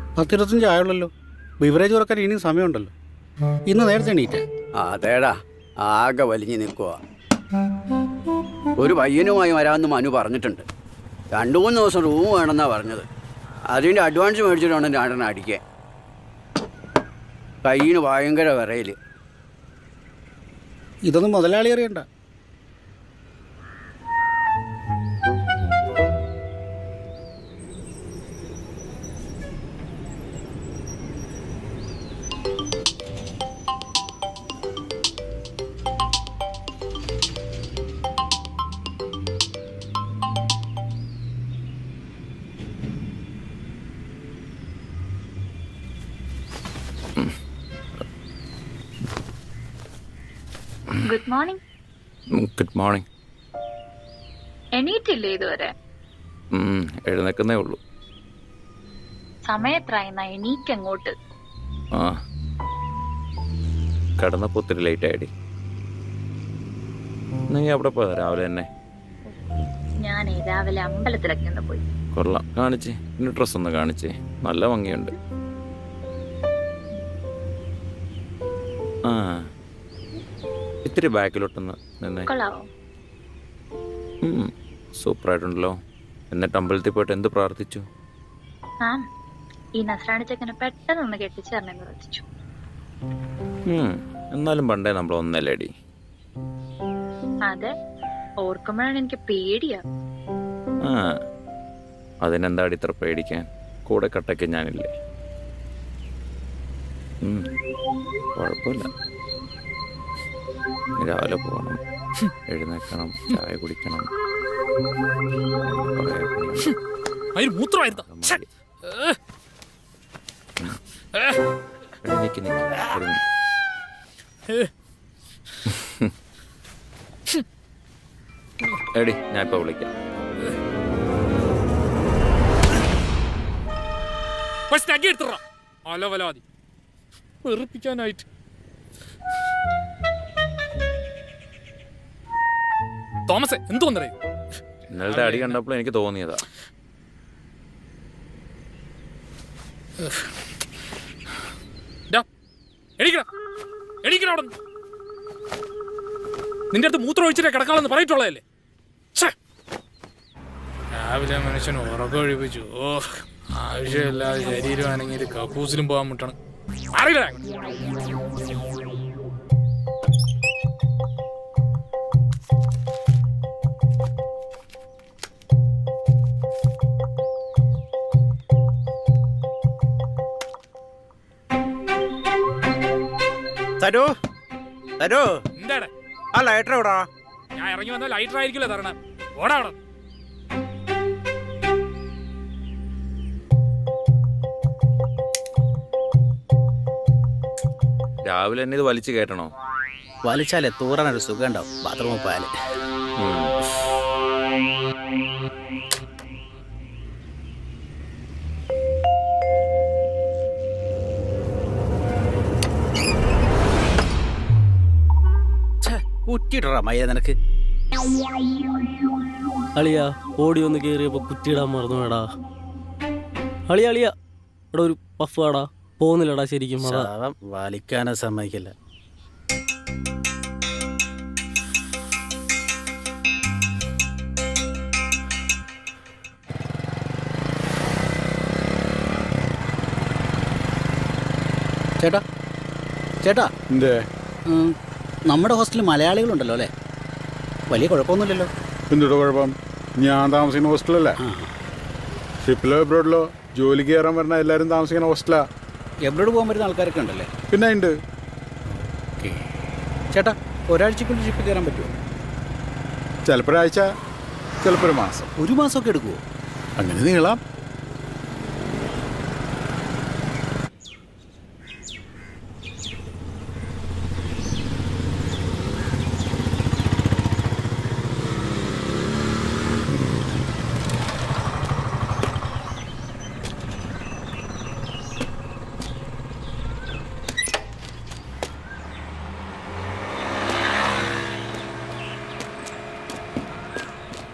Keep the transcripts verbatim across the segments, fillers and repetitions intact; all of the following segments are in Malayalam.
പത്തിരുപത്തഞ്ച് ആയുള്ളല്ലോ. ബിവറേജ് തുറക്കാൻ ഇനിയും സമയമുണ്ടല്ലോ. ഇന്ന് നേരത്തെ എണീറ്റേ? അതേടാ, ആകെ വലിഞ്ഞു നിൽക്കുക. ഒരു പയ്യനുമായി വരാമെന്ന് മനു പറഞ്ഞിട്ടുണ്ട്. രണ്ടു മൂന്ന് ദിവസം റൂം വേണമെന്നാ പറഞ്ഞത്. അതിൻ്റെ അഡ്വാൻസ് മേടിച്ചിട്ട് വേണം രണ്ടെണ്ണം അടിക്കാൻ. കയ്യിന് ഭയങ്കര വിറയിൽ. ഇതൊന്നും മുതലാളി അറിയണ്ട. Good morning. Good morning. എണീറ്റില്ലേ ഇതുവരെ? എഴുന്നേക്കുന്നേ ഉള്ളൂ. സമയത്രായെന്നാ എണീക്കങ്ങോട്ട്. ആ കിടന്നപ്പോ ഒത്തിരി ലേറ്റ് ആയിടി. നീ അവിടെ പോയതാ രാവിലെ തന്നെ? ഞാൻ രാവിലെ അമ്പലത്തിലൊക്കെ ഒന്ന് പോയി. കൊള്ളാം. കാണിച്ചേ, ഇനി ഡ്രസ് ഒന്ന് കാണിച്ചേ. നല്ല ഭംഗിയുണ്ട്. ആ ഇത്തിരി ബാക്കിലോട്ടൊന്ന് നിന്നേ. കൊള്ളാവോ? സൂപ്പറായിട്ടുണ്ടല്ലോ. എന്നിട്ട് അമ്പലത്തിൽ പോയിട്ട് എന്ത് പ്രാർത്ഥിച്ചു? ആ ഈ നസ്രാണി ചെക്കനെ പെട്ടെന്ന് ഒന്ന് കെട്ടിച്ചു തരണമെന്ന് പ്രാർത്ഥിച്ചു. എന്നാലും പണ്ടേ നമ്മൾ ഒന്നല്ലേടി. അതെ, ഓർക്കുമ്പോഴാണ് എനിക്ക് പേടിയാ. ആ അതിനെന്താടി ഇത്ര പേടിക്കാൻ? കൂടെ കട്ടയ്ക്ക് ഞാനില്ലേ. കുഴപ്പമില്ല. രാവിലെ പോകണം, എഴുന്നേക്കണം, ചായ കുടിക്കണം. എടി ഞാൻ ഇപ്പൊ വിളിക്കാം. വെറുപ്പിക്കാനായിട്ട് തോമസേ എന്തു വന്നേ? ഇന്നലത്തെ അടി കണ്ടപ്പോൾ എനിക്ക് തോന്നിയതാ. നിന്റെ അടുത്ത് മൂത്രം ഒഴിച്ചിട്ടേ കിടക്കാളെന്ന് പറഞ്ഞിട്ടുള്ളതല്ലേ? രാവിലെ മനുഷ്യൻ ഉറക്കം ഒഴിപ്പിച്ചു. ഓ ആവശ്യമില്ലാതെ ശരീരമാണെങ്കിൽ കക്കൂസിലും പോകാൻ മുട്ടാണ്. അറിയില്ല. തരൂ തരൂ. എന്താടാ ആ ലൈറ്റർ എവിടാ? ഞാൻ ഇറങ്ങി വന്ന ലൈറ്റർ ആയിരിക്കില്ല തരണം. ഓടാ അവിടെ. രാവിലെ തന്നെ ഇത് വലിച്ചു കയറ്റണോ? വലിച്ചാലേ തൂറാനൊരു സുഖം ഉണ്ടാവും. ബാത്റൂമിൽ പോയാല്. കുറ്റിയിട്ടാ മയ്യ നിനക്ക്. അളിയാ ഓടി ഒന്ന് കേറിയപ്പോ കുറ്റിയിടാൻ മറന്നു വേടാ. അളിയ അളിയ ഇവിടെ ഒരു പഫ് ആടാ. പോകുന്നില്ലടാ ശരിക്കും. ശവം വലിക്കാനോ സമ്മതിക്കില്ല. ചേട്ടാ ചേട്ടാ എന്തേ? നമ്മുടെ ഹോസ്റ്റലിൽ മലയാളികളുണ്ടല്ലോ അല്ലേ? വലിയ കുഴപ്പമൊന്നുമില്ലല്ലോ. എന്തുട്ടോ കുഴപ്പം? ഞാൻ താമസിക്കുന്ന ഹോസ്റ്റലല്ലേ? ഷിപ്പിലോ എബ്രോഡിലോ ജോലിക്ക് കയറാൻ വരുന്ന എല്ലാവരും താമസിക്കുന്ന ഹോസ്റ്റലാ. എബ്രോഡ് പോകാൻ വരുന്ന ആൾക്കാരൊക്കെ ഉണ്ടല്ലേ? പിന്നെ ഉണ്ട്. ചേട്ടാ ഒരാഴ്ചക്കുള്ളിൽ ഷിപ്പിൽ കയറാൻ പറ്റുമോ? ചിലപ്പോൾ ഒരാഴ്ച, ചിലപ്പോൾ ഒരു മാസം. ഒരു മാസമൊക്കെ എടുക്കുമോ? അങ്ങനെ നീളാം.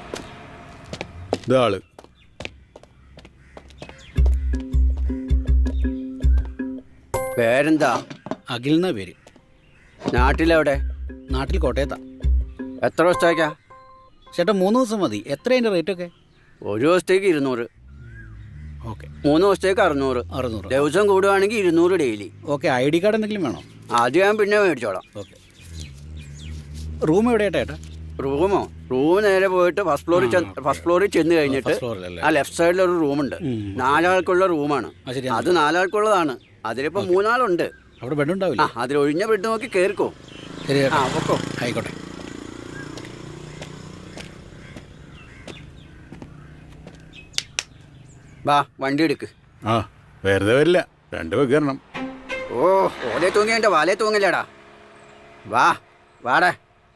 ഇതാള് പേരെന്താ? അഖിൽ എന്നാ പേര്. നാട്ടിലെവിടെ? നാട്ടിൽ കോട്ടയത്താ. എത്ര ദിവസത്തേക്കാ? ചേട്ടാ മൂന്ന് ദിവസം മതി. എത്ര അതിൻ്റെ റേറ്റൊക്കെ? ഒരു ദിവസത്തേക്ക് ഇരുന്നൂറ്, ഓക്കെ. മൂന്ന് ദിവസത്തേക്ക് അറുന്നൂറ്, അറുന്നൂറ്. ദിവസം കൂടുവാണെങ്കിൽ ഇരുന്നൂറ് daily. Okay. I D card എന്തെങ്കിലും വേണോ? ആദ്യം ഞാൻ പിന്നെ മേടിച്ചോളാം. ഓക്കെ. റൂം എവിടെയായിട്ടാ ഏട്ടാ? റൂമോ? റൂം നേരെ പോയിട്ട് ഫസ്റ്റ് ഫ്ലോറിൽ ഫസ്റ്റ് ഫ്ലോറിൽ ചെന്ന് കഴിഞ്ഞിട്ട് ഫസ്റ്റ് ഫ്ലോറിലല്ലേ? ആ ലെഫ്റ്റ് സൈഡിൽ ഒരു റൂമുണ്ട്. നാലാൾക്കുള്ള റൂമാണ്. ആ, ശരി. അത് നാലാൾക്കുള്ളതാണ്. അതിലിപ്പോ മൂന്നാളുണ്ട്. അവിടെ ബെഡ് ആ ഉണ്ടാവില്ല? അതിൽ ഒഴിഞ്ഞ ബെഡ് നോക്കി കേറിക്കോ. ശരി ആ ചേട്ടാ. പൊക്കോ. ആയിക്കോട്ടെ. വാ വണ്ടി എടുക്ക്. ആ വെറുതെ വരില്ല, രണ്ട് വെക്കണം. ഓ ഓലെ തൂങ്ങി എൻ്റെ വാലേ തൂങ്ങില്ലടാ. വാ വാടേ.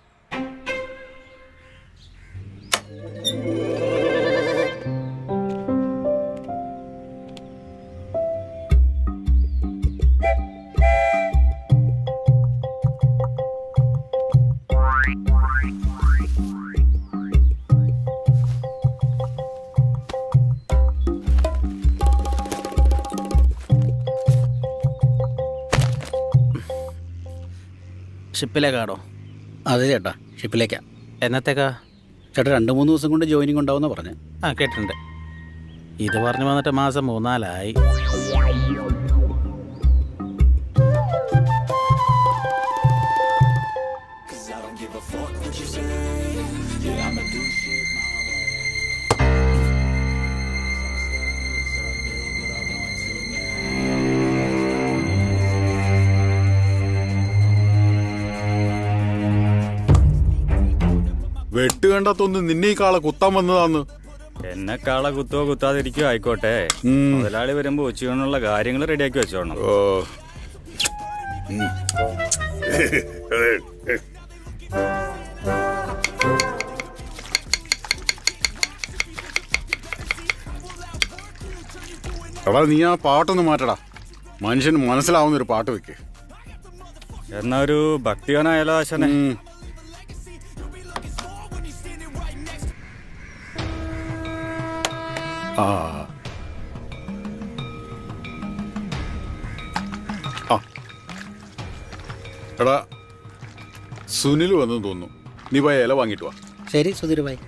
ഷിപ്പിലേക്കാണോ? അതെ ചേട്ടാ, ഷിപ്പിലേക്കാ. എന്നത്തേക്കാ? ചേട്ടാ രണ്ട് മൂന്ന് ദിവസം കൊണ്ട് ജോയിനിങ് ഉണ്ടാവുന്ന പറഞ്ഞ്. ആ കേട്ടിട്ടുണ്ട്. ഇത് പറഞ്ഞു വന്നിട്ട് മാസം മൂന്നാലായി. വെട്ട് കണ്ടാത്തൊന്ന് നിന്നെ ഈ കാളെ കുത്താൻ വന്നതാന്ന്. എന്നെ കാള കുത്തോ കുത്താതിരിക്കോ ആയിക്കോട്ടെ. ഉം. മുതലാളി വരുമ്പോ ഉച്ചയൂണിനുള്ള കാര്യങ്ങൾ റെഡിയാക്കി വെച്ചോണം. ഓ എടാ നീ ആ പാട്ടൊന്ന് മാറ്റടാ. മനുഷ്യന് മനസ്സിലാവുന്ന ഒരു പാട്ട് വെക്ക്. എന്നാ ഒരു ഭക്തിഗാനായാലോ ആശാനെ? ഉം. ആ ആ. എടാ സുനിൽ വന്നെന്ന് തോന്നുന്നു. നീ പോയ ഇല വാങ്ങിട്ട് വാ. ശരി സുധീർ ഭായി.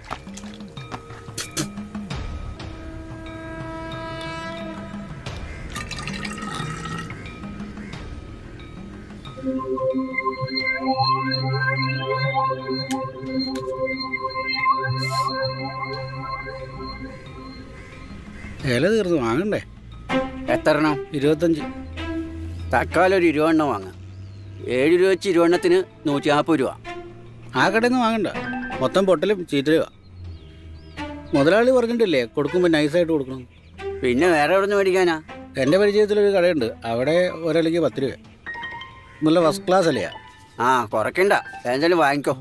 ഇല തീർന്നു, വാങ്ങണ്ടേ? എത്ര എണ്ണം? ഇരുപത്തഞ്ച്. തക്കാലം ഒരു ഇരുപതെണ്ണം വാങ്ങാം. ഏഴ് രൂപ വെച്ച് ഇരുപതെണ്ണത്തിന് നൂറ്റി നാൽപ്പത് രൂപ. ആ കടയിൽ നിന്ന് വാങ്ങണ്ട, മൊത്തം പൊട്ടലും ചീറ്റലുക. മുതലാളി പറഞ്ഞിട്ടില്ലേ കൊടുക്കുമ്പോൾ നൈസായിട്ട് കൊടുക്കണം. പിന്നെ വേറെ എവിടെ നിന്ന് മേടിക്കാനാ? എൻ്റെ പരിചയത്തിലൊരു കടയുണ്ട്, അവിടെ ഒരലയ്ക്ക് പത്ത് രൂപ. നല്ല ഫസ്റ്റ് ക്ലാസ് അല്ലയാ. ആ കുറയ്ക്കണ്ട, എന്തായാലും വാങ്ങിക്കോ.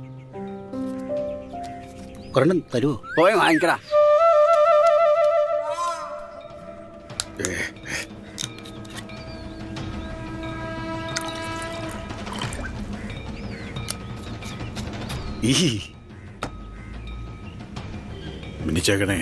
ഒരെണ്ണം തരുമോ? പോയി വാങ്ങിക്കടാ. ഈ മിനിച്ചേക്കണേ.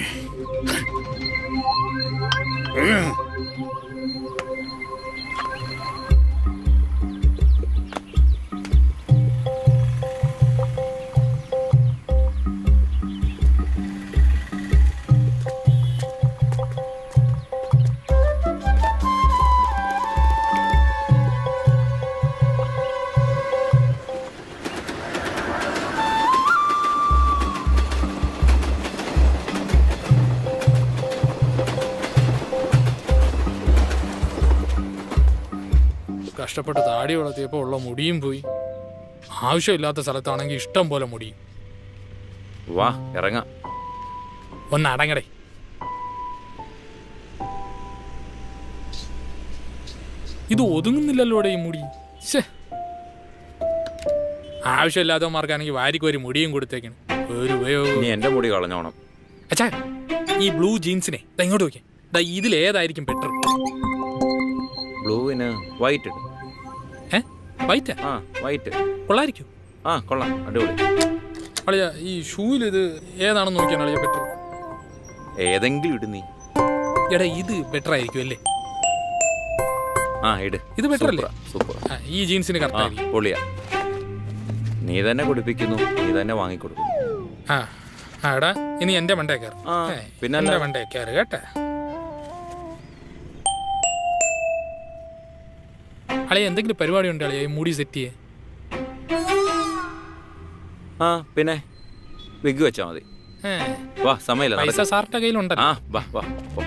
കഷ്ടപ്പെട്ട് താടി വളർത്തിയപ്പോൾ ഉള്ള മുടിയും പോയി. ആവശ്യമില്ലാത്ത സ്ഥലത്താണെങ്കിൽ ഇഷ്ടം പോലെ മുടിയും. വാ ഇറങ്ങാം. ഒന്ന് അടങ്ങടേ. ഇത് ഒതുങ്ങുന്നില്ലല്ലോടെ ഈ മുടി. ശ്ശേ, ആവശ്യമില്ലാത്തവന്മാർക്കാണെങ്കിൽ വാരിക്കൊരു മുടിയും കൊടുത്തേക്കാണ്. ഒരു ഉപയോഗം. നീ എന്റെ മുടി കളഞ്ഞോണം. അച്ഛാ ഈ ബ്ലൂ ജീൻസിനെ ദാ ഇങ്ങോട്ട് നോക്കിയാ, ദാ ഇതിലേതായിരിക്കും ബെറ്റർ? ബ്ലൂവിന് വൈറ്റ് ഇടും. ഏ വൈറ്റാ? ആ വൈറ്റ് കൊള്ളായിരിക്കും. ആ കൊള്ളാം, അടിപൊളി. അളിയ ഈ ഷൂവിൽ ഇത് ഏതാണെന്ന് നോക്കിയാണ് അളിയ ബെറ്റർ. ഏതെങ്കിലും ഇടും നീ. എടാ ഇത് ബെറ്റർ ആയിരിക്കും അല്ലേ? ആ ഇട്. ഇത് better അല്ലേ? സൂപ്പർ. ആ, ഈ ജീൻസിന് ആ കറക്റ്റ് പൊളിയാ. നീ തന്നെ കുടിപ്പിക്കുന്നു, നീ തന്നെ വാങ്ങിക്കൊടുക്കുന്നു. ആ ആ എടാ ഇനി എന്റെ മണ്ടേ കയറി ആ, പിന്നല്ല. എന്റെ മണ്ടേ കയറി കേട്ടെ. അളിയ എന്തെങ്കിലും പരിപാടി ഉണ്ട് അളിയ ഈ മുടി സെറ്റ് ചെയ്യേ. ആ പിന്നെ വിഗ് വെച്ചാ മതി. ഏ, വാ സമയമില്ല, പൈസ നടക്ക്. സാറിന്റെ കയ്യിലുണ്ടല്ലോ. ആ വാ വാ പോ.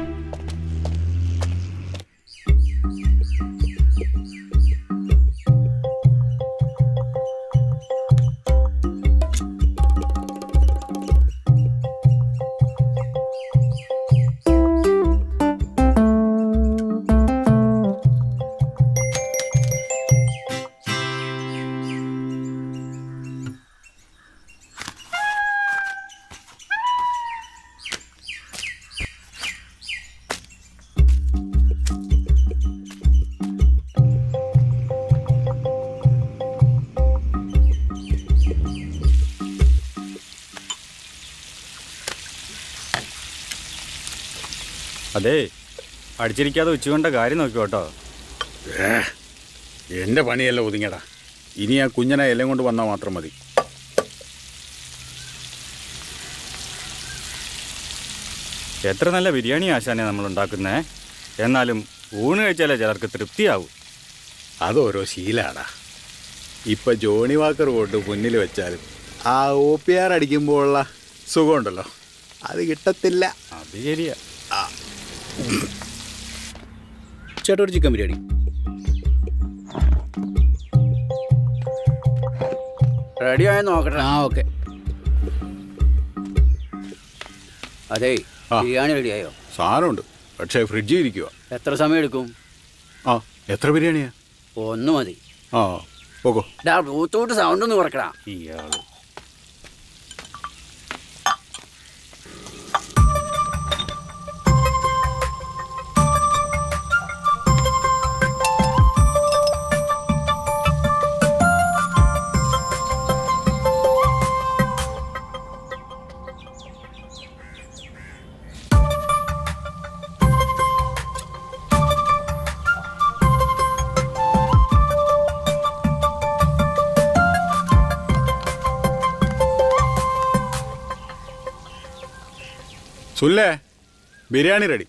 അതേ അടിച്ചിരിക്കാതെ ഉച്ചകൊണ്ട കാര്യം നോക്കി കേട്ടോ. എൻ്റെ പണിയല്ല ഒതുങ്ങിയടാ. ഇനി ആ കുഞ്ഞനെ എല്ലാം കൊണ്ട് വന്നാൽ മാത്രം മതി. എത്ര നല്ല ബിരിയാണി ആശാനെ നമ്മൾ ഉണ്ടാക്കുന്നേ. എന്നാലും ഊണ് കഴിച്ചാലേ ചിലർക്ക് തൃപ്തിയാവും. അതോരോ ശീലാടാ. ഇപ്പം ജോണി വാക്കർ കൊണ്ട് മുന്നിൽ വെച്ചാലും ആ ഒ പി ആർ അടിക്കുമ്പോഴുള്ള സുഖമുണ്ടല്ലോ, അത് കിട്ടത്തില്ല. അത് ശരിയാ. ചേട്ടാ ഒരു ചിക്കൻ ബിരിയാണി. റെഡി ആയോ നോക്കട്ടെ. ആ ഓക്കെ. അതേ ആ. ബിരിയാണി റെഡിയായോ? സാധനമുണ്ട്, പക്ഷേ ഫ്രിഡ്ജിൽ ഇരിക്കുക. എത്ര സമയം എടുക്കും? ആ എത്ര ബിരിയാണിയാ? ഒന്ന് മതി. ആ പോകോ. ഡാ ബ്ലൂടൂത്ത് സൗണ്ട് ഒന്ന് കുറക്കടാ. ഇയാള് സുല്ലേ, ബിരിയാണി റെഡി.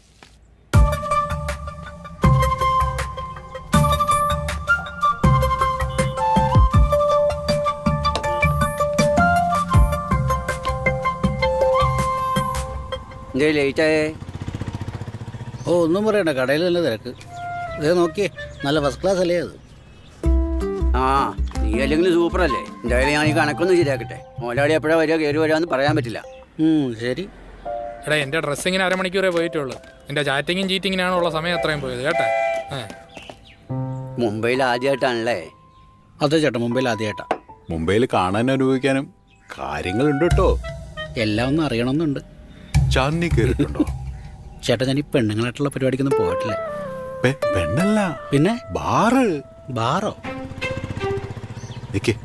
എന്തേ ലേറ്റായേ? ഓ ഒന്നും പറയണ്ട, കടയിൽ നല്ല തിരക്ക്. ഇതേ നോക്കിയേ, നല്ല ഫസ്റ്റ് ക്ലാസ് അല്ലേ അത്. ആ നീ അല്ലെങ്കിൽ സൂപ്പറല്ലേ. എന്തായാലും ഞാൻ ഈ കണക്കൊന്നും ശരിയാക്കട്ടെ. മോലാളി എപ്പോഴാണ് വരിക കയറി വരാമെന്ന് പറയാൻ പറ്റില്ല. ഉം, ശരി. എടാ എൻ്റെ ഡ്രസ്സിങ്ങിന് അരമണിക്കൂറേ പോയിട്ടുള്ളൂ. എൻ്റെ ചാറ്റിങ്ങും ചീറ്റിങ്ങിനാണ് ഉള്ള സമയം അത്രയും പോയത് കേട്ടെ. ഏ മുംബൈയിൽ ആദ്യമായിട്ടാണല്ലേ? അതെ ചേട്ടാ, മുംബൈയിൽ ആദ്യമായിട്ടാ. മുംബൈയിൽ കാണാനും അനുഭവിക്കാനും കാര്യങ്ങളുണ്ട് കേട്ടോ. എല്ലാം ഒന്നും അറിയണമെന്നുണ്ട്. ചാന്ദി കയറിയിട്ടുണ്ടോ? ചേട്ടാ ഞാൻ ഈ പെണ്ണുങ്ങളായിട്ടുള്ള പരിപാടിക്കൊന്നും പോയിട്ടില്ല. പെ- പെണ്ണല്ല, പിന്നെ ബാറ്. ബാറോ? നിക്ക്.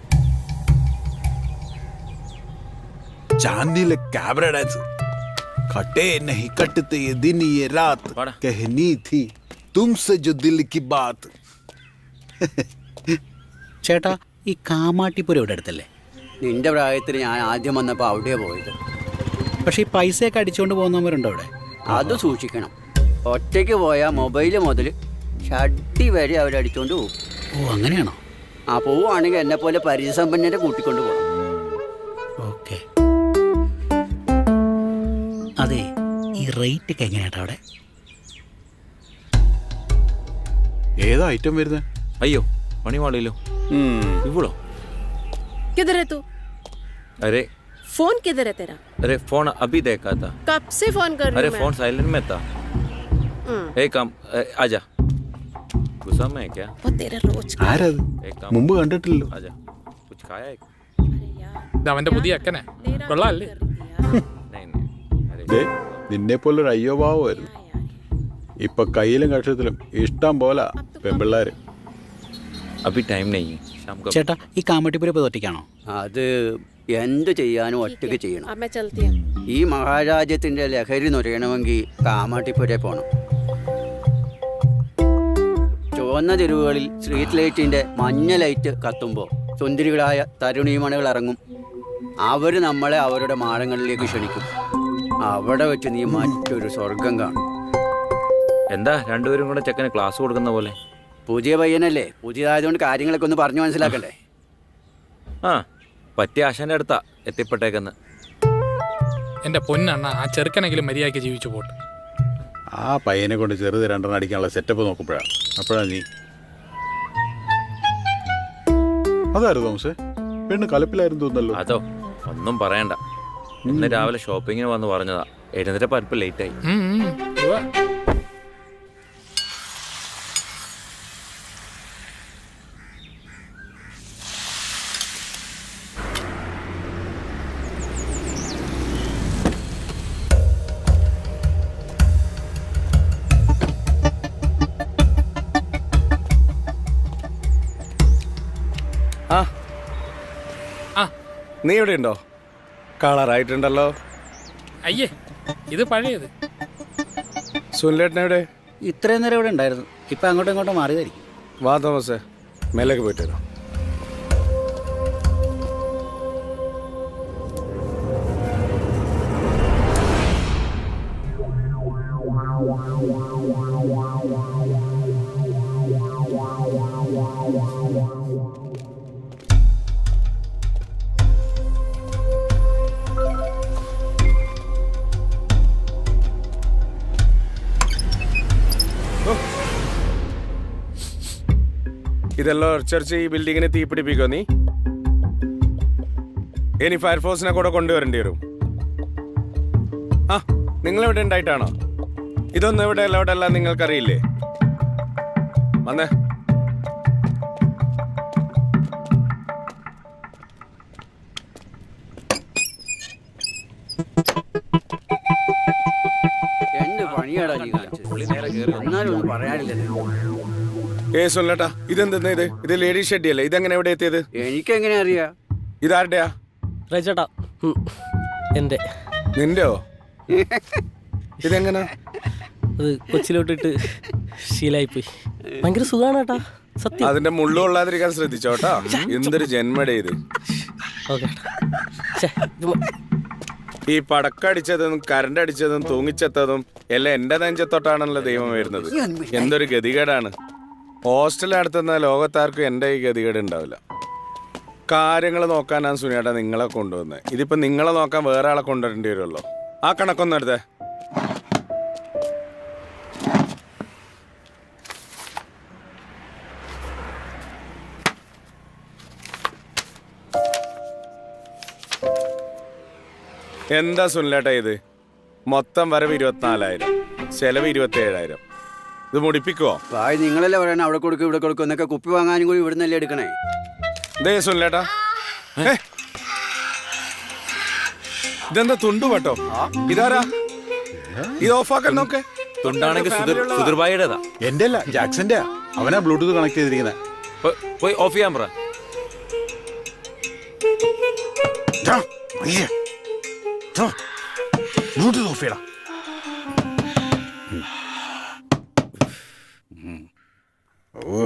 चांदनी कैबरा डांस खटे नहीं कटते ये दिन ये रात बड़ा। कहनी थी तुमसे जो दिल की बात. ചേട്ടാ ഈ കാമാട്ടിപ്പുരം ഇവിടെ അടുത്തല്ലേ? നിന്റെ പ്രായത്തിൽ ഞാൻ ആദ്യം വന്നപ്പോൾ അവിടെയാണ് പോയത്. പക്ഷേ ഈ പൈസയൊക്കെ അടിച്ചുകൊണ്ട് പോകുന്നവരുണ്ടോ അവിടെ? അത് സൂക്ഷിക്കണം. ഒറ്റയ്ക്ക് പോയാൽ മൊബൈൽ മുതൽ ഷഡ്ഡി വരെ അവരടിച്ചുകൊണ്ട് പോകും. ഓ അങ്ങനെയാണോ? ആ പോവുകയാണെങ്കിൽ എന്നെ പോലെ പരിചയസമ്പന്നരെ കൂട്ടിക്കൊണ്ട് പോകണം. ഓക്കെ. അതെ, ഈ റേറ്റ് ഒക്കെ എങ്ങനെയാട്ടാ അവിടെ? ഏതാ ഐറ്റം വരുന്നത്? അയ്യോ പണി പാടില്ലോ. ഇവളോ? किधर है तू? अरे फोन किधर है तेरा? अरे फोन अभी देखा था. कब से फोन कर रही अरे हूँ फोन साइलेंट में था. मैं? एक काम ए, आजा. गुस्सा में है क्या? वो तेरा रोज का। ആരത്? एक काम മുമ്പ് കണ്ടിട്ടില്ലല്ലോ. आजा. कुछ खाया है? अरे यार, ഇത് അവൻ്റെ പുതിയ അക്കനെ तेरा കൊള്ളാല്ലേ? कर दिया। नहीं नहीं. अरे ദേ, നിന്നെ പോലൊരു അയ്യോ ഭാവമായിരുന്നു. ഇപ്പൊ കയ്യിലും കക്ഷത്തിലും ഇഷ്ടം പോലെ പെമ്പിള്ളാര്. अभी टाइम नहीं है. शाम को. ചേട്ടാ ഈ കാമാട്ടിപ്പുരം ഇപ്പോൾ ഒറ്റയ്ക്കാണോ? അത് എന്ത് ചെയ്യാനും ഒറ്റയ്ക്ക് ചെയ്യണം. अब मैं चलती हूँ। ഈ മഹാരാജ്യത്തിൻ്റെ ലഹരി നുരയണമെങ്കിൽ കാമാട്ടിപ്പുരേ പോകണം. ചുവന്ന തെരുവുകളിൽ സ്ട്രീറ്റ് ലൈറ്റിൻ്റെ മഞ്ഞ ലൈറ്റ് കത്തുമ്പോൾ സുന്ദരികളായ തരുണീമണികൾ ഇറങ്ങും. അവർ നമ്മളെ അവരുടെ മാളങ്ങളിലേക്ക് ക്ഷണിക്കും. അവിടെ വെച്ച് നീ മറ്റൊരു സ്വർഗം കാണും. എന്താ രണ്ടുപേരും കൂടെ ചെക്കന് ക്ലാസ് കൊടുക്കുന്ന പോലെ? പുതിയ പയ്യനല്ലേ, പുതിയതായതുകൊണ്ട് കാര്യങ്ങളൊക്കെ ഒന്ന് പറഞ്ഞു മനസ്സിലാക്കണ്ടേ. ആ പറ്റിയ ആശാന്റെ അടുത്താ എത്തിപ്പെട്ടേക്കെന്ന്. എൻ്റെ പൊന്നണ്ണ, ആ ചെറുക്കനെങ്കിലും മര്യാദയ്ക്ക് ജീവിച്ചു പോട്ടെ. ആ പയ്യനെ കൊണ്ട് ചെറുത് രണ്ടെണ്ണം അടിക്കാനുള്ള സെറ്റപ്പ് നോക്കുമ്പോഴാണ് അപ്പോഴാ നീ. അതായിരുന്നു തോമസേ, പെണ്ണ് കലപ്പിലായിരുന്നു തോന്നല്ലോ. അതോ ഒന്നും പറയണ്ട. ഇന്ന് രാവിലെ ഷോപ്പിങ്ങിന് വന്ന് പറഞ്ഞതാ. എഴുന്നേറ്റ പരിപ്പ് ലേറ്റായി. ഉം, ഉം. ഉവ്വ. ആ ആ നീ ഇവിടെ ഉണ്ടോ? കളറായിട്ടുണ്ടല്ലോ. അയ്യേ, ഇത് പഴയത്. സുനിലേട്ടനെവിടെ? ഇത്രയും നേരം ഇവിടെ ഉണ്ടായിരുന്നു. ഇപ്പം അങ്ങോട്ടും ഇങ്ങോട്ടും മാറിയതായിരിക്കും. വാ തോമസേ, മേലേക്ക് പോയിട്ട് വരാം. ഇതെല്ലാം ഉറച്ചറിച്ച് ഈ ബിൽഡിങ്ങിനെ തീപിടിപ്പിക്കോ നീ? ഇനി ഫയർഫോഴ്സിനെ കൂടെ കൊണ്ടുവരേണ്ടി വരും. ആ നിങ്ങളെവിടെ ഉണ്ടായിട്ടാണോ? ഇതൊന്നും ഇവിടെ അല്ല ഇവിടെ അല്ല നിങ്ങൾക്കറിയില്ലേ? വന്നേ. എന്ത് പണിയാടാ നീ കാണിച്ചത്? എന്നാലും ഒന്നും പറയാനില്ലല്ലോ. ഏ സുനിലേട്ടാ, ഇതെന്തെന്നാ ഇത്? ഇത് ലേഡീസ് ഷെഡ്ഡി അല്ലേ? ഇതെങ്ങനെ എവിടെ എത്തിയത്? എനിക്കെങ്ങനെ അറിയാ? ഇതാരുടെയാ? റൈച്ചേട്ടാ, ഉം, എൻ്റെ. നിന്റെയോ? ഇതെങ്ങനെ? അത് കൊച്ചിലോട്ടിട്ട് ശീലായിപ്പോയി. ഭയങ്കര സുഖമാണ് കേട്ടാ, സത്യം. അതിന്റെ മുള്ളു കൊള്ളാതിരിക്കാൻ ശ്രദ്ധിച്ചോട്ടാ. എന്തൊരു ജന്മടേ ഇത്. ഓക്കെ. ഈ പടക്കടിച്ചതും കരണ്ട് അടിച്ചതും തൂങ്ങിച്ചെത്തതും എല്ലാം എന്റെ നെഞ്ചത്തൊട്ടാണല്ലോ ദൈവം വരുന്നത്. എന്തൊരു ഗതികേടാണ്. ഹോസ്റ്റലിൽ നടത്തുന്ന ലോകത്താർക്കും എൻ്റെ ഈ ഗതികേട് ഉണ്ടാവില്ല. കാര്യങ്ങൾ നോക്കാനാണ് സുനിയേട്ടാ നിങ്ങളെ കൊണ്ടുവന്നത്. ഇതിപ്പോ നിങ്ങളെ നോക്കാൻ വേറെ ആളെ കൊണ്ടുവരേണ്ടി വരുമല്ലോ. ആ കണക്കൊന്നും എടുത്തേ. എന്താ സുനിലേട്ടാ ഇത്? മൊത്തം വരവ് ഇരുപത്തിനാലായിരം, ചെലവ് ഇരുപത്തി ഏഴായിരം. ഇത് മുടിപ്പിക്കുവോ? ഭായ് നിങ്ങളല്ലേ പറയണ അവിടെ കൊടുക്കും ഇവിടെ കൊടുക്കും എന്നൊക്കെ. കുപ്പി വാങ്ങാനും കൂടി ഇവിടെ നിന്നല്ലേ എടുക്കണേ. ദേ സുനിലേട്ടാ, ഇതെന്താ തുണ്ടു കേട്ടോ? ഇതാരാ? ഇത് ഓഫാക്കാൻ നോക്കേ. തുണ്ടാണെങ്കിൽ സുധീർഭായിയുടേതാ. എന്റെ അല്ല, ജാക്സന്റെ. അവനാ ബ്ലൂടൂത്ത് കണക്ട് ചെയ്തിരിക്കുന്നത്. പോയി ഓഫ് ചെയ്യാൻ പറ. ബ്ലൂടൂത്ത് ഓഫ് ചെയ്യണം. ഓ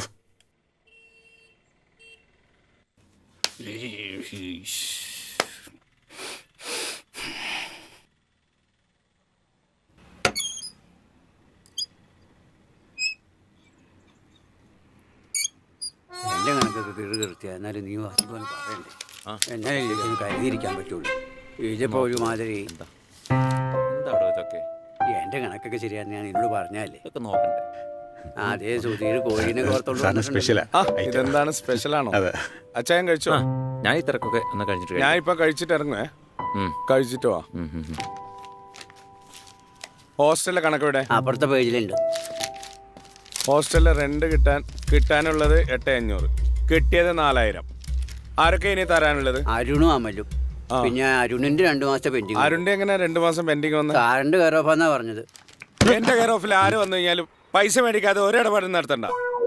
എന്റെ കണക്കൊക്കെ കിറു കീർത്തിയ. എന്നാലും നീ വാസിക്കൊന്ന് പറയണ്ടേ? എന്നാലല്ലേ ഒന്ന് കരുതിയിരിക്കാൻ പറ്റുള്ളൂ. ഇതിപ്പോ ഒരുമാതിരി. എന്താ അവിടെ ഇതൊക്കെ? എന്റെ കണക്കൊക്കെ ശരിയാന്ന് ഞാൻ നിന്നോട് പറഞ്ഞല്ലേ. ഇതൊക്കെ നോക്കണ്ടേ? അതേ സുധീർ കോഴിനെ കോർത്തോണ്ട് സ്പെഷ്യലാ. ഇതെന്താണ് സ്പെഷ്യലാണോ? അതെ. അച്ചായൻ കഴിച്ചോ? ഞാൻ ഈ തിരക്കൊക്കെ ഒന്ന് കഴിഞ്ഞിട്ട് ഞാൻ ഇപ്പൊ കഴിച്ചിട്ട് ഇറങ്ങുവേ. കഴിച്ചിട്ട് വാ. ഹോസ്റ്റലിലെ കണക്കെവിടെ? അപ്പുറത്തെ പേജിലുണ്ട്. ഹോസ്റ്റലിലെ റെന്റ് കിട്ടാൻ കിട്ടാനുള്ളത് എട്ട് അഞ്ഞൂറ്, കിട്ടിയത് നാലായിരം. ആരൊക്കെ ഇനി തരാനുള്ളത്? അരുണും അമലും. പിന്നെ അരുണിന്റെ രണ്ടു മാസത്തെ പെൻഡിങ്. അരുണിന്റെ എങ്ങനെ രണ്ടു മാസം പെൻഡിങ് വന്ന്? കാരണ്ട് കെയർ ഓഫ് എന്നാ പറഞ്ഞത്. എന്റെ കെയർ ഓഫിൽ ആര് വന്നു കഴിഞ്ഞാലും പൈസ മേടിക്കാതെ ഒരിടപാടും നടത്തണ്ട.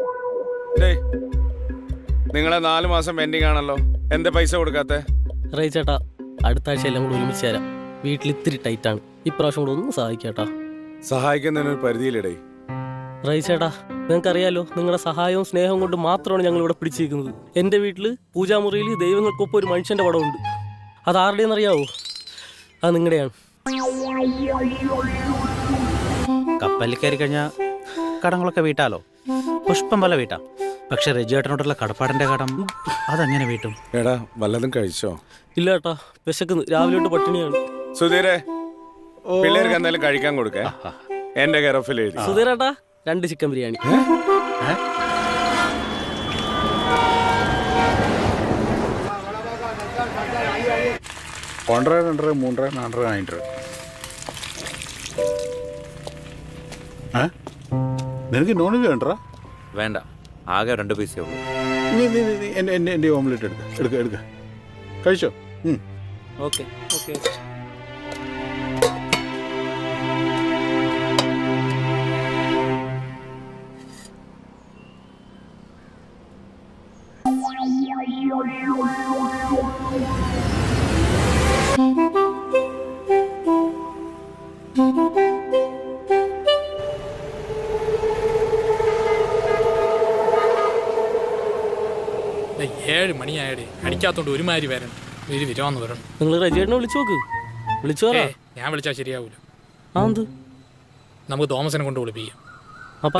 നിങ്ങളെ നാല് മാസം പെൻഡിങ് ആണല്ലോ, എന്താ പൈസ കൊടുക്കാത്തെ? റൈച്ചേട്ടാ, അടുത്ത ആഴ്ച എല്ലാം കൂടെ ഒരുമിച്ച് തരാം. വീട്ടിൽ ഇത്തിരി ടൈറ്റാണ്. ഇപ്രാവശ്യം കൂടെ ഒന്ന് സഹായിക്കാട്ടാ. സഹായിക്കുന്നതിനൊരു പരിധിയിലിടേ. റൈച്ചേട്ടാ, നിങ്ങൾക്കറിയാലോ, നിങ്ങളുടെ സഹായവും സ്നേഹവും കൊണ്ട് മാത്രമാണ് ഞങ്ങൾ ഇവിടെ പിടിച്ചിരിക്കുന്നത്. എൻ്റെ വീട്ടിൽ പൂജാമുറിയിൽ ദൈവങ്ങൾക്കൊപ്പം ഒരു മനുഷ്യൻ്റെ പടമുണ്ട്. അത് ആരുടെയെന്ന് അറിയാവോ? അത് നിങ്ങളുടെയാണ്. കപ്പലിൽ കയറി കഴിഞ്ഞാൽ കടങ്ങളൊക്കെ വീട്ടാലോ, പുഷ്പം പോലെ വീട്ടാം. പക്ഷെ രജുവേട്ടനോടുള്ള കടപ്പാടിന്റെ കടം അതെങ്ങനെ വീട്ടും? എടാ വല്ലതും കഴിച്ചോ? ഇല്ല ഏട്ടാ, വിശക്കുന്നു. രാവിലെ തൊട്ട് പട്ടിണിയാണ്. സുധീരെ, പിള്ളേർക്ക് എന്തായാലും കഴിക്കാൻ കൊടുക്കേ. എന്റെ കെയർ എഴുതി. സുധീരേട്ടാ, രണ്ട് ചിക്കൻ ബിരിയാണി. ഒന്നര രണ്ടര മൂന്നര നാലര നാലര. നിനക്ക് നോൺ വെജ് വേണ്ട? വേണ്ട, ആകെ രണ്ട് പീസേ ഉള്ളൂ. നീ നീ നീ എൻ്റെ എൻ്റെ എൻ്റെ ഓംലെറ്റ് എടുക്ക എടുക്ക എടുക്ക കഴിച്ചോ. Okay okay. ഏഴ് മണിയായടേ, അടിക്കാത്തോണ്ട് ഒരുമാതിരി വരണം. ഒരു വിരാന്ന് വരണം. നിങ്ങൾ രജേട്ടനെ വിളിച്ചു നോക്ക്. വിളിച്ചു പറ. ഞാൻ വിളിച്ചാൽ ശരിയാവൂല. ആ എന്ത്? നമുക്ക് തോമസിനെ കൊണ്ട് വിളിപ്പിക്കാം. അപ്പാ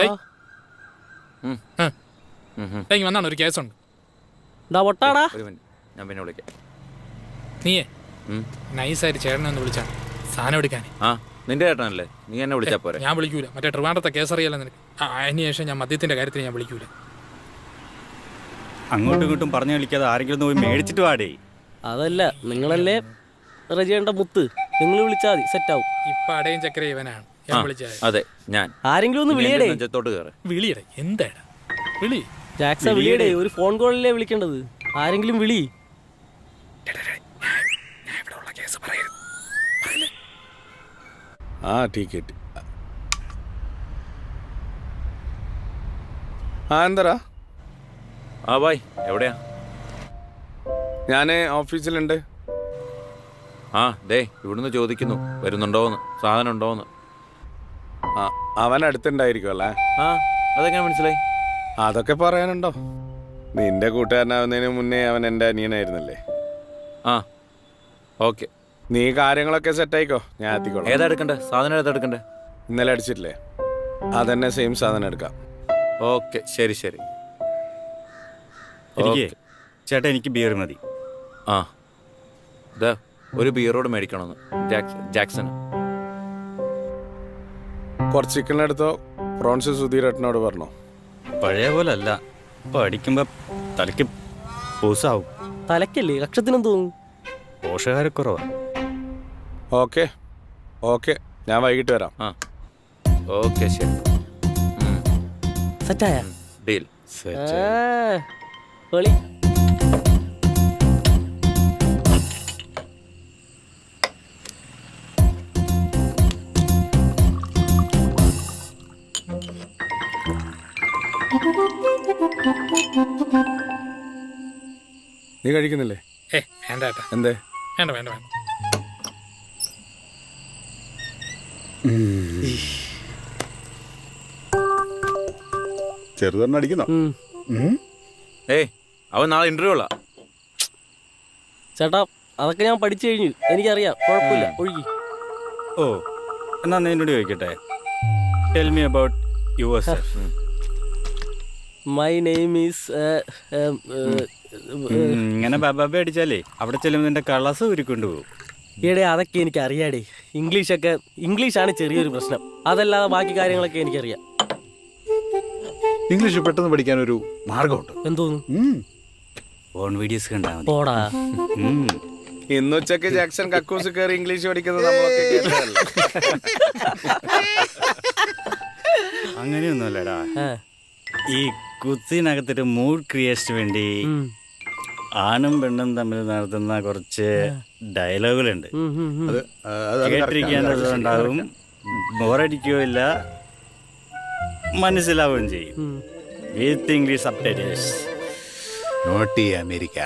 വന്നാണ് ഒരു കേസുണ്ട്. ഒട്ടാടാ, ഒരു മിനിറ്റ്, ഞാൻ പിന്നെ വിളിക്കാം. നീയേ നൈസായിട്ട് ചേട്ടനെ ഒന്ന് വിളിച്ചാണ് സാധനം എടുക്കാൻ. ആ, നിന്റെ ചേട്ടനല്ലേ, നീ എന്നെ വിളിച്ചാ പോരെ. ഞാൻ വിളിക്കൂല. മറ്റേ ട്രിവാൻഡ്രത്തെ കേസ് അറിയാലോ നിനക്ക്. അതിന് ശേഷം ഞാൻ മദ്യത്തിന്റെ കാര്യത്തിന് ഞാൻ വിളിക്കൂല. അങ്ങോട്ടും ഇങ്ങോട്ടും പറഞ്ഞു കളിക്കാതെ ആരെങ്കിലും ഒന്ന് പോയി മേടിച്ചിട്ട് വാടേ. അതല്ല, നിങ്ങളല്ലേ റജിയേണ്ട മുത്ത്. നിങ്ങൾ വിളിച്ചാൽ മതി, സെറ്റ് ആവും. ഇപ്പൊ അടയും ചക്കര ഇവനാണ് ഞാൻ വിളിച്ചത്. അതെ, ഞാൻ. ആരെങ്കിലും ഒന്ന് വിളിയടേ. നെഞ്ചത്തോട്ട് കയറി വിളിയടേ. എന്താടാ വിളി? ജാക്സ വിളിയടേ. ഒരു ഫോൺ കോളിലേ വിളിക്കേണ്ടത്. ആരെങ്കിലും വിളി. ആ ടിക്കറ്റ്. ആ എന്തരാ? ആ ബായ്, എവിടെയാ? ഞാൻ ഓഫീസിലുണ്ട്. ആ ദേ, ഇവിടുന്ന് ചോദിക്കുന്നു വരുന്നുണ്ടോന്ന്, സാധനം ഉണ്ടോന്ന്. ആ അവൻ അടുത്തുണ്ടായിരിക്കും അല്ലേ? ആ, അതെങ്ങനെ മനസ്സിലായി? അതൊക്കെ പറയാനുണ്ടോ? നിന്റെ കൂട്ടുകാരനാവുന്നതിന് മുന്നേ അവൻ എൻ്റെ അനിയനായിരുന്നല്ലേ. ആ ഓക്കെ, നീ കാര്യങ്ങളൊക്കെ സെറ്റായിക്കോ, ഞാൻ എത്തിക്കോളാം. ഏതാ എടുക്കണ്ടേ? സാധനം ഏതാ എടുക്കണ്ടേ? ഇന്നലെ അടിച്ചിട്ടില്ലേ, അതന്നെ സെയിം സാധനം എടുക്കാം. ഓക്കെ, ശരി ശരി. എനിക്ക് ചേട്ടാ, എനിക്ക് ബിയർ മതി. ആ ഇതാ ഒരു ബിയറോട് മേടിക്കണമെന്ന് ജാക്സൺ ജാക്സൺ കുറച്ച് ചിക്കനെടുത്തോ. പ്രോൺസ് സുധീരേട്ടനോട് പറഞ്ഞോ. പഴയ പോലെ അല്ല, ഇപ്പൊ അടിക്കുമ്പോ തലയ്ക്ക് പൂസാവും. തലക്കല്ലേ, കക്ഷത്തിനും തോന്നും. പോഷകാരക്കുറവാ. ഓക്കെ ഓക്കെ, ഞാൻ വൈകിട്ട് വരാം. ആ ഓക്കെ, ശരി. സെറ്റായ ഡീൽ. പൊളി. നീ കഴിക്കുന്നില്ലേ? ഏ വേണ്ട ഏട്ടാ. എന്തേ? വേണ്ട വേണ്ട വേണ്ട. ചെറുതെണ്ണം അടിക്കുന്നോ? ഏയ്, അവൻ നാളെ ഇന്റർവ്യൂ ഉള്ള. ചേട്ടാ, അതൊക്കെ ഞാൻ പഠിച്ചു കഴിഞ്ഞു. എനിക്കറിയാം, കുഴപ്പമില്ല, ഒഴുകി. ഓ, എന്നാ ഞാൻ എന്നോട് ചോദിക്കട്ടെ. Tell me about yourself. My name is. ഇങ്ങനെ ബബാബ അടിച്ചാലേ അവിടെ ചെല്ലുമ്പോൾ നിന്റെ കളസ് ഉരുക്കൊണ്ട് പോകും. ഈടെ അതൊക്കെ എനിക്ക് അറിയാടേ. ഇംഗ്ലീഷൊക്കെ, ഇംഗ്ലീഷാണ് ചെറിയൊരു പ്രശ്നം. അതല്ലാതെ ബാക്കി കാര്യങ്ങളൊക്കെ എനിക്കറിയാം. ഇംഗ്ലീഷ് പെട്ടെന്ന് പഠിക്കാൻ ഒരു മാർഗമുണ്ട്. എന്തോന്നു? ഫോൺ വീഡിയോസ് കണ്ടാ മതി. പോടാ. ഇന്നുച്ചക്ക് ജാക്സൺ കക്കൂസ് കയറി ഇംഗ്ലീഷ് പഠിക്കുന്നത് നമ്മളൊക്കെ കേട്ടതല്ലേ? അങ്ങനെയൊന്നുമല്ലടാ. ഈ കുത്തിനകത്തൊരു മൂഡ് ക്രിയേഷന് വേണ്ടി ആണും പെണ്ണും തമ്മിൽ നടത്തുന്ന കുറച്ച് ഡയലോഗുകളുണ്ട്. കേട്ടിരിക്കാനുള്ളതുണ്ടാവും, ബോറടിക്കുകയില്ല, മനസ്സിലാവുകയും ചെയ്യും. With English subtitles. Naughty America.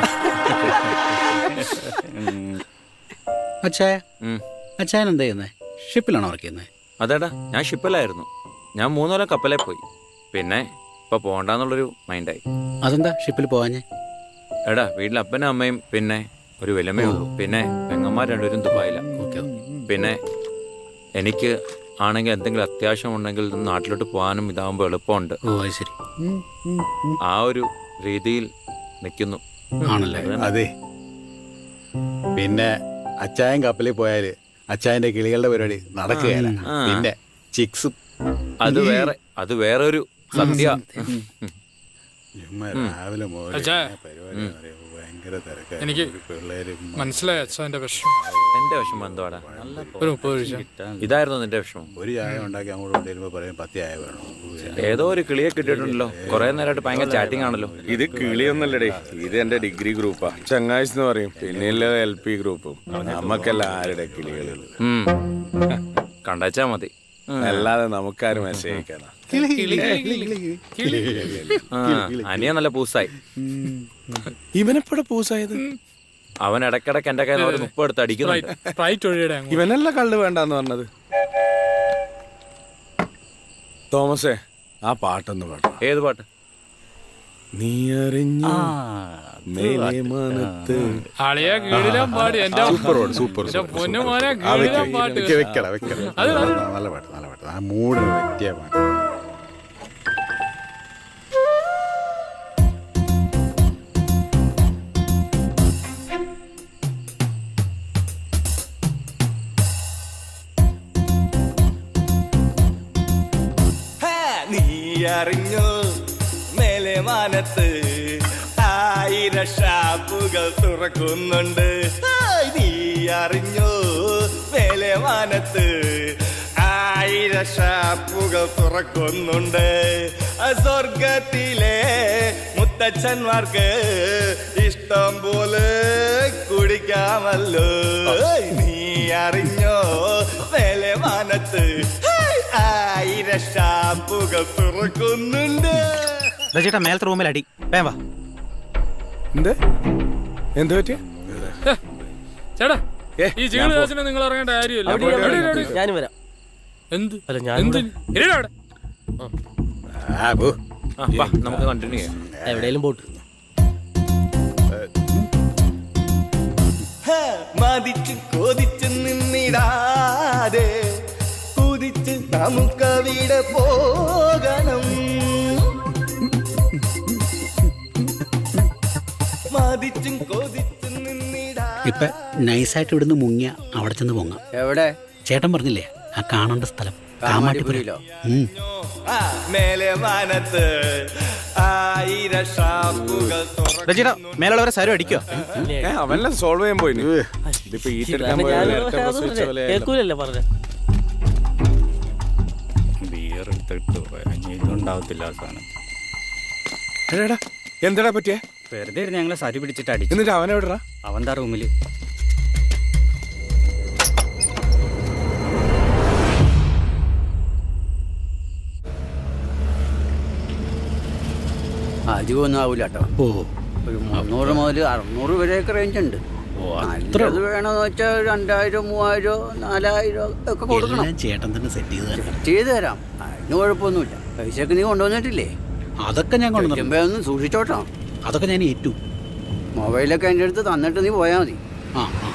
അച്ഛായ അച്ഛായൻ എന്താ ചെയ്യുന്നത്? ഷിപ്പിലാണോ വർക്ക് ചെയ്യുന്നത്? അതേടാ, ഞാൻ ഷിപ്പിലായിരുന്നു. ഞാൻ മൂന്നോലം കപ്പലേ പോയി. പിന്നെ ഇപ്പൊ പോണ്ടെന്നുള്ളൊരു മൈൻഡായി. അതെന്താ ഷിപ്പിൽ പോവാഞ്ഞേ? എടാ വീട്ടിൽ അപ്പനും അമ്മയും പിന്നെ ഒരു വിലമേ ഉള്ളൂ. പിന്നെ പെങ്ങന്മാർ രണ്ടുപേരും ദുബായില്ല. പിന്നെ എനിക്ക് ആണെങ്കിൽ എന്തെങ്കിലും അത്യാവശ്യം ഉണ്ടെങ്കിൽ നാട്ടിലോട്ട് പോകാനും ഇതാകുമ്പോൾ എളുപ്പമുണ്ട്. ഓ അത് ശരി. ആ ഒരു രീതിയിൽ നിൽക്കുന്നു. ആണല്ലേ? അതെ. പിന്നെ അച്ചായൻ കപ്പലിൽ പോയാല് അച്ചായന്റെ കിളികളുടെ പരിപാടി നടക്കുകയല്ല. ആ. പിന്നെ ചിക്സും അത് വേറെ അത് വേറെ ഒരു സദ്യ. ചുമ്മാ രാവിലെ മുതൽ അച്ഛാ. പരിപാടി എന്ന് പറയുമ്പോ ഭയങ്കര തിരക്കാ. എനിക്ക് പിള്ളേര് മനസ്സിലായി അച്ഛൻ്റെ വിഷമം. എന്റെ വിഷമം എന്തുവാടാ? ഒരു മുപ്പത് ഒഴിച്ച ഇതായിരുന്നു നിന്റെ വിഷമം. ഒരു ചായ ഉണ്ടാക്കി അങ്ങോട്ട് കൊണ്ടുവരുമ്പോ പറയും പത്ത് ചായ വേണം. ഏതോ ഒരു കിളിയെ കിട്ടിയിട്ടുണ്ടല്ലോ. കുറെ നേരമായിട്ട് ഭയങ്കര ചാറ്റിംഗ് ആണല്ലോ. ഇത് കിളിയൊന്നല്ലടേ, ഇത് എന്റെ ഡിഗ്രി ഗ്രൂപ്പാ. ചങ്ങാഴ്ച എന്ന് പറയും. പിന്നെ എൽ പി ഗ്രൂപ്പും. നമുക്കല്ല ആരുടെ കിളികൾ. ഉം. കണ്ടച്ചാ മതി. അല്ലാതെ നമുക്കാരും മെസ്സേജ് അയക്കാനാ. ആ, അനിയ നല്ല പൂസായി. ഇവനെപ്പോഴെ പൂസായത്? അവൻ ഇടക്കിടക്ക് എന്റെ കയ്യിൽ ഒരു മുപ്പത് എടുത്ത് അടിക്കുന്നുണ്ട്. ഫ്ലൈറ്റ് ഒഴിയുടെ അങ്ങോട്ട്. ഇവനല്ല കള്ള് വേണ്ടെന്ന് പറഞ്ഞത്. തോമസേ, ആ പാട്ടൊന്ന് പാടാ. ഏത് പാട്ട്? നീ അറിഞ്ഞു മേലെ മാനത്ത്. അളിയാ കീഴിലാൻ പാടി എന്റെ സൂപ്പർ പാട്ട്, സൂപ്പർ എന്റെ പൊന്നു മോനെ ആ കീഴിലാൻ വെക്ക, പാട്ട്. വെക്ക, വെക്കടാ, വെക്കടാ. അത് അത് നല്ല പാട്ട്, നല്ല പാട്ട്. ആ മൂടിന് പറ്റിയ പാട്ട്. നീ അറിഞ്ഞു മേലെ മാനത്ത് ആയിരം ഷാപ്പുകൾ തുറക്കുന്നുണ്ട്. നീ അറിഞ്ഞു മേലെ മാനത്ത് ആയിരം ഷാപ്പുകൾ തുറക്കുന്നുണ്ട്. സ്വർഗത്തിലെ മുത്തച്ഛന്മാർക്ക് ഇഷ്ടം പോലെ കുടിക്കാമല്ലോ. നീ അറിഞ്ഞോ മേലെ മാനത്ത് ആയിരം ഷാപ്പുകൾ തുറക്കുന്നുണ്ട്. ചേട്ടാ മേലത്തെ റൂമിൽ അടി വേം വാ. എന്ത് എന്ത് പറ്റിയ? ചേട്ടാ ഈ ചീട് ദിവസം നിങ്ങൾ ഇറങ്ങേണ്ട കാര്യമില്ല. അവിടെ അവിടെ, അവിടെ, അവിടെ. ഞാനും വരാം. എന്ത് അല്ല ഞാൻ എന്ത് ഇരിടാ അവിടെ. ആ, പോ. ആ, വാ, നമുക്ക് കണ്ടിന്യൂ ചെയ്യാം. എവിടെയെങ്കിലും പോട്ട്. മതിച്ച് കൊതിച്ച് നിന്നിടാതെ കുതിച്ച് നമുക്കവിടെ പോകണം. മതിച്ചും കൊതിച്ച് നിന്നിടാ. ഇപ്പൊ നൈസായിട്ട് ഇവിടുന്ന് മുങ്ങിയ അവിടെ ചെന്ന് പൊങ്ങാം. എവിടെ? ചേട്ടൻ പറഞ്ഞില്ലേ ആ കാണേണ്ട സ്ഥലം കാമാട്ടിപ്പുരയിലോ. മേലെ മാനത്ത് ആയിരം ഷാപ്പുകൾ ചേട്ടാ മേലുള്ളവരെ സാരം അടിക്കോ? അവനെല്ലാം സോൾവ് ചെയ്യാൻ പോയിന്. ഇതിപ്പോ ഈ തിരക്കാൻ കേൾക്കൂലല്ലേ പറഞ്ഞ. ബിയർ എടുത്തിട്ട് ഇതുണ്ടാവത്തില്ല ആ സാധനം. എടാ എന്താടാ പറ്റിയേ? വെറുതെ ഇരുന്ന് ഞങ്ങളെ സരി പിടിച്ചിട്ട് അടിച്ചു. എന്നിട്ട് അവനെവിടാ? അവൻ്റെ റൂമില്. അധികം ഒന്നും ആവൂല കേട്ടോ. ഓ ഒരു മുന്നൂറ് മുതൽ അറുന്നൂറ് വരെയൊക്കെ റേഞ്ച് ഉണ്ട്. നല്ലത് വേണമെന്ന് വെച്ചാൽ രണ്ടായിരം മൂവായിരം നാലായിരം ഒക്കെ കൊടുക്കണം. ചേട്ടൻ തന്നെ സെറ്റ് ചെയ്ത് തരാം. സെറ്റ് ചെയ്ത് തരാം, അതിന് കുഴപ്പമൊന്നുമില്ല. പൈസയൊക്കെ നീ കൊണ്ടുവന്നിട്ടില്ലേ? അതൊക്കെ ഞാൻ കൊണ്ടുവന്നു. ഒന്ന് സൂക്ഷിച്ചോട്ടോ. അതൊക്കെ ഞാൻ ഏറ്റു. മൊബൈലൊക്കെ എൻ്റെ അടുത്ത് തന്നിട്ട് നീ പോയാൽ മതി. ആ ആ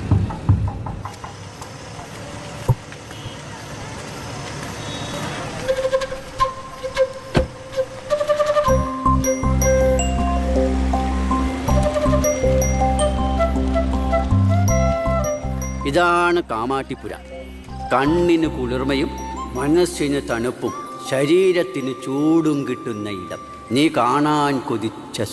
ഇതാണ് കാമാട്ടിപ്പുര. കണ്ണിന് കുളിർമയും മനസ്സിന് തണുപ്പും ശരീരത്തിന് ചൂടും കിട്ടുന്ന ഇടം. നീ കാണാൻ കൊതിച്ച